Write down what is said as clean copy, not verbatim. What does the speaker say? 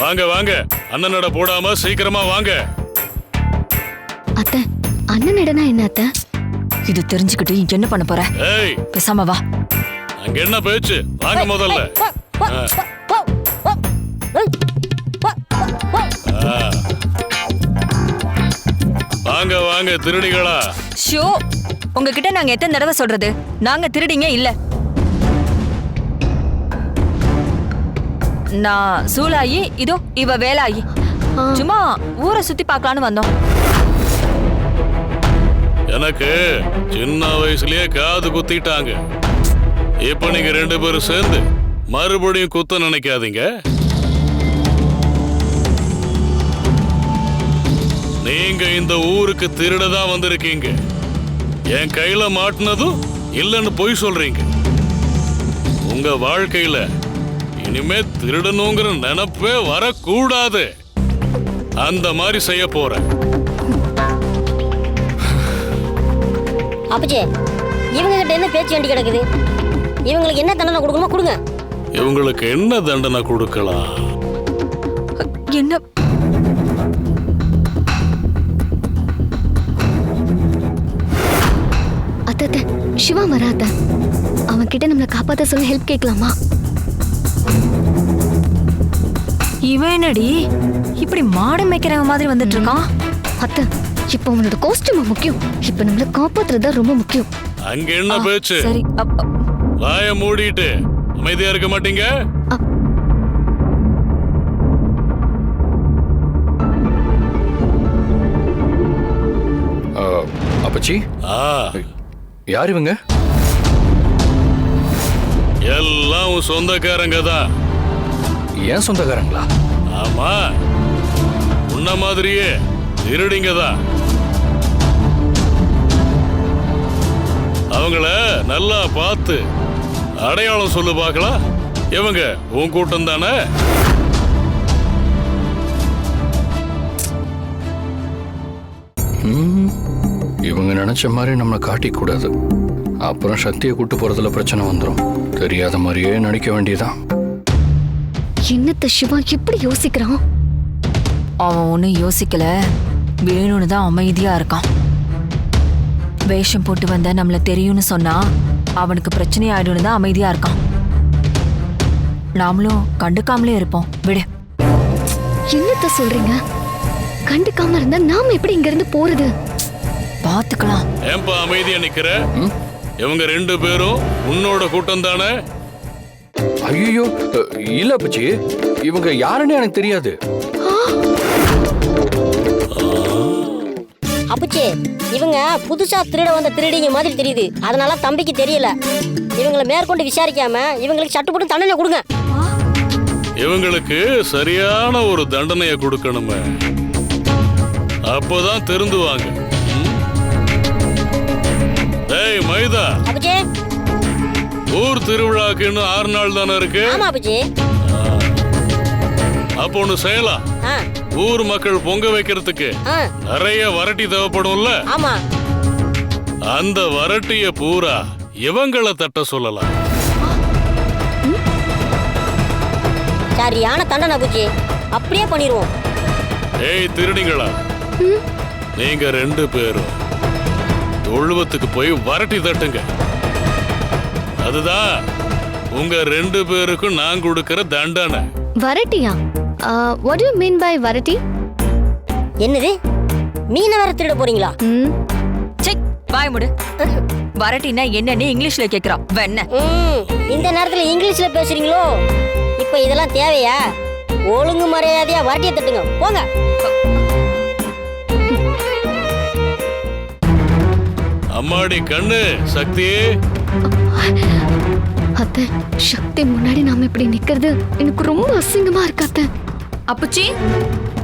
வாங்க வாங்க, அண்ணனோட போடாம சீக்கிரமா வாங்க. அத்தை, அண்ணன் இடனா என்ன அத்தை? இது தெரிஞ்சுக்கிட்டு என்ன பண்ண போற? ஏய், பேசாம வா. அங்க என்ன பேச்சு? வாங்க முதல்ல. வாங்க வாங்க திருடிகளா. ஷோ, உங்ககிட்ட நாங்க எத்தனை தடவை சொல்றது? நாங்க திருடிங்க இல்ல. நான் சூலாயி, இதோ இவ வேலாயி. சும்மா ஊரை சுத்தி பார்க்கலான்னு வந்தோம். எனக்கு சின்ன வயசுலயே காது குத்திட்டாங்க. இப்ப நீங்க 2 பேரும் சேர்ந்து மறுபடியும் குத்த நினைக்காதீங்க. நீங்க இந்த ஊருக்கு திருடதான் வந்திருக்கீங்க. என் கையில மாட்டினதும் இல்லைன்னு பொய் சொல்றீங்க. உங்க வாழ்க்கையில இனிமே திருடணுங்கிற நினைப்பே வரக்கூடாது. அந்த மாதிரி செய்ய போறேன். அப்பச்சே, இவங்க கிட்ட என்ன பேச்சு வேண்டி கிடக்குது? இவங்களுக்கு என்ன தண்டனை கொடுக்கணுமோ கொடுங்க. இவங்களுக்கு என்ன தண்டனை கொடுக்கலாம்? என்ன? அத்தை, சிவா வராத. அவன் கிட்ட நம்மளை காப்பாத்த சொல்லி ஹெல்ப் கேட்கலாமா? இவன் என்னடி இப்படி மாடு மேய்க்கிறவங்க மாதிரி வந்துட்டு இருக்கான்? அத்தை, இப்ப அவனோட காஸ்டியூம் முக்கியம். இப்ப நம்மள காப்பாத்துறதா ரொம்ப முக்கியம். அங்க என்ன பேச்சு? சரி, வாய மூடிட்டு அமைதியா இருக்க மாட்டீங்க? அப்பச்சி, யார் இவங்க? எல்லாம் உன் சொந்தக்காரங்க தான். ஏன் சொந்தக்காரங்களா? ஆமா, உன்ன மாதிரியே திருடிங்க தான். அவங்கள நல்லா பார்த்து அடையாளம் சொல்லு பார்க்கலாம். இவங்க உன் கூட்டம் தானே? இவங்க நினைச்ச மாதிரி நம்மளை காட்டிக்க கூடாது. அப்புறம் சக்தியை கூட்டு போறதுல பிரச்சனை வந்துடும். தெரியாத மாதிரியே நடிக்க வேண்டியதான். என்னத்த சிவா இப்படி யோசிக்கிறான்? அவன் ஒன்னும் யோசிக்கல, வேணும்னு தான் அமைதியா இருக்கான். வேஷம் போட்டு வந்த நம்மள தெரியும்னு சொன்னா அவனுக்கு பிரச்சனை ஆயிடும்னு தான் அமைதியா இருக்கான். நாமளும் கண்டுக்காமலே இருப்போம். விடு. என்னத்த சொல்றீங்க? கண்டுக்காம இருந்தா நாம எப்படி இங்க இருந்து போறது? பாத்துக்கலாம். ஏன்பா அமைதியா நிக்கிற? இவங்க 2 பேரும் உன்னோட கூட்டம் தானே? ஐயோ, இல்ல அப்பச்சி, இவங்க யாருன்னு எனக்கு தெரியாது. அப்பச்சே, இவங்க புதுசா திருட வந்த திருடிங்க மாதிரி தெரியுது. அதனால தம்பிக்கு தெரியல. இவங்களை மேற்கொண்டு விசாரிக்காம இவங்களுக்கு சட்டுப்பட்டு தண்டனை கொடுங்க. இவங்களுக்கு சரியான ஒரு தண்டனையை கொடுக்கணுமே, அப்பதான் திருந்துவாங்க. டேய் மைதா, அப்பச்சே, ஊர் திருவிழாக்கு இன்னும் 6 நாள் தானே இருக்கு. ஆமா அப்பச்சே. அப்போ ஒண்ணு செய்யலாம். ஊர் மக்கள் பொங்க வைக்கிறதுக்கு நிறைய வரட்டி தேவைப்படும்ல? ஆமா. அந்த வரட்டிய பூரா இவங்கள தட்ட சொல்லலாம். சரியான தண்டனை அப்பச்சே, அப்படியே பண்ணிடுவோம். ஏய் திருடிங்களா, நீங்க 2 பேரும் தொழுவத்துக்கு போய் வரட்டி தட்டுங்க. அதுதான் உங்க 2 பேருக்கும் நான் கொடுக்கிற தண்டனை. வரட்டியா? what do you mean by வரட்டி? என்னது, மீனை வேற திருட போறீங்களா? வாய் முடு. வரட்டினா என்னன்னு இங்கிலீஷ்ல கேக்குறான். வெண்ண இந்த நேரத்துல இங்கிலீஷ்ல பேசுறீங்களோ? இப்ப இதெல்லாம் தேவையா? ஒழுங்கு மரியாதையா வரட்டியை தட்டுங்க, போங்க. அம்மாடி கண்ணு சக்தி. அத்தை, சக்தி முன்னாடி நாம இப்படி நிக்கிறது எனக்கு ரொம்ப அசிங்கமா இருக்கு அத்தை. அப்புச்சி,